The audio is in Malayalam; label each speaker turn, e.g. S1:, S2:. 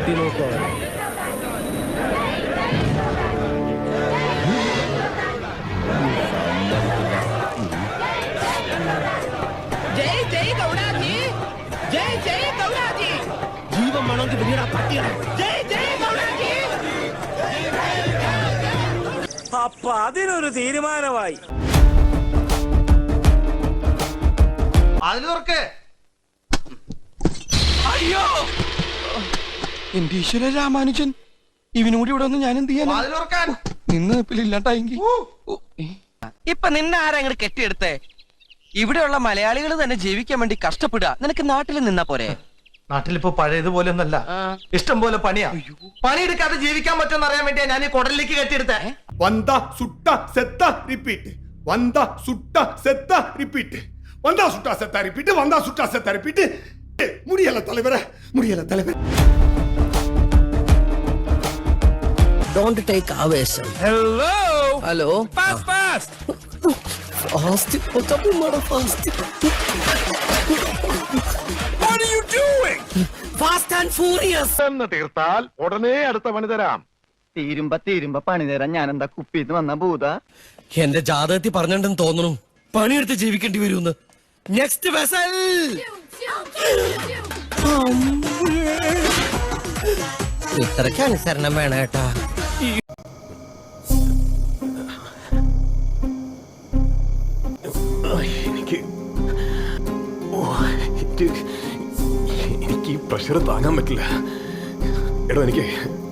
S1: കുത്തി നോക്കോ.
S2: ജയ് ജയ് ഗൗഡാജി, ജയ് ജയ് ഗൗഡാജി.
S1: ജീവൻ വേണമെങ്കിൽ പിന്നീട് പട്ടിയാണ്.
S2: ജയ് ജയ് ഗൗഡാജി.
S3: അപ്പൊ അതിനൊരു തീരുമാനമായി.
S4: അയ്യോ എന്റെ ഈശ്വര രാമാനുജൻ, ഇവനൂടി ഇവിടെ ഒന്ന് ഞാൻ എന്ത് ചെയ്യാൻ നിന്ന് ഇല്ലാണ്ടായെങ്കിൽ.
S5: ഇപ്പൊ നിന്നെ ആരാ അങ്ങോട്ട് കെട്ടിയെടുത്തേ? ഇവിടെയുള്ള മലയാളികൾ തന്നെ ജീവിക്കാൻ വേണ്ടി കഷ്ടപ്പെടുക. നിനക്ക് നാട്ടിൽ നിന്നാ പോരെ?
S6: നാട്ടിലിപ്പോ പഴയതുപോലെ ഒന്നല്ല, ഇഷ്ടം പോലെ പണിയാ. പണിയെടുക്കാതെ ജീവിക്കാൻ പറ്റുമെന്ന് അറിയാൻ വേണ്ടിയാ ഞാൻ ഈ കുടലിലേക്ക് കെട്ടിയെടുത്തേ.
S7: വന്ദ സുട്ട സെത്ത റിപ്പീറ്റ്, വന്ദ സുട്ട സെത്ത റിപ്പീറ്റ്, വന്ദ സുട്ട സെത്ത റിപ്പീറ്റ്, വന്ദ സുട്ട സെത്ത റിപ്പീറ്റ്. முடியல தலைவரே, முடியல தலைவர்.
S1: Don't take ആവേശം.
S3: Hello
S1: hello.
S3: ഫാസ്റ്റ്
S1: ഫാസ്റ്റ് ഒറ്റപ്പുമാട fast.
S3: What are you doing?
S1: Fast and furious.
S7: എന്ന് തീർത്താൽ ഉടനെ അടുത്ത പണി തരാം.
S5: തീരുമ്പ പണി തരാൻ ഞാൻ എന്താ കുപ്പിന്ന് വന്ന ഭൂത?
S1: എന്റെ ജാതകത്തിൽ പറഞ്ഞിട്ടുണ്ടെന്ന് തോന്നുന്നു പണിയെടുത്ത് ജീവിക്കേണ്ടി വരുമെന്ന്. Next vessel. ഇത്രയ്ക്ക് അനുസരണം വേണം കേട്ടാ.
S7: എനിക്ക് ഈ പ്രഷർ താങ്ങാൻ പറ്റില്ല. എടോ എനിക്ക്